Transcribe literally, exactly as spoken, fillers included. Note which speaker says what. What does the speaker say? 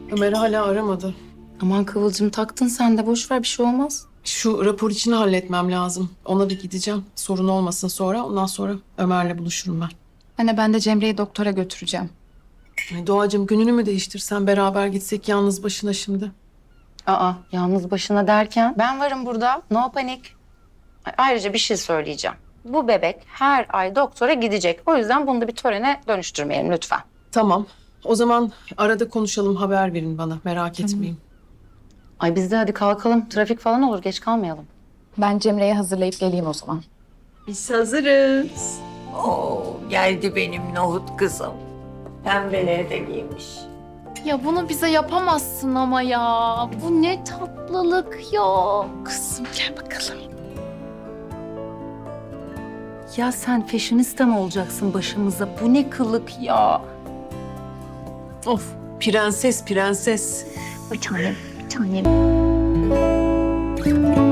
Speaker 1: Ömer hala aramadı.
Speaker 2: Aman Kıvılcım taktın sen de boş ver bir şey olmaz.
Speaker 1: Şu rapor işini halletmem lazım. Ona bir gideceğim. Sorun olmasın sonra. Ondan sonra Ömer'le buluşurum ben.
Speaker 2: Anne ben de Cemre'yi doktora götüreceğim.
Speaker 1: Ay Doğacığım gününü mü değiştirsen beraber gitsek yalnız başına şimdi?
Speaker 2: Aa yalnız başına derken? Ben varım burada. No panik. Ay, ayrıca bir şey söyleyeceğim. Bu bebek her ay doktora gidecek. O yüzden bunu da bir törene dönüştürmeyelim lütfen.
Speaker 1: Tamam. O zaman arada konuşalım, haber verin bana. Merak etmeyin.
Speaker 2: Ay biz de hadi kalkalım. Trafik falan olur geç kalmayalım.
Speaker 3: Ben Cemre'yi hazırlayıp geleyim o zaman.
Speaker 4: Biz hazırız. Oo, geldi benim nohut kızım. Pembeleri de giymiş.
Speaker 3: Ya bunu bize yapamazsın ama ya. Bu ne tatlılık ya. Kızım gel bakalım.
Speaker 2: Ya sen fashionista mı olacaksın başımıza? Bu ne kılık ya?
Speaker 1: Of, prenses prenses.
Speaker 3: Bir tanem, bir tanem.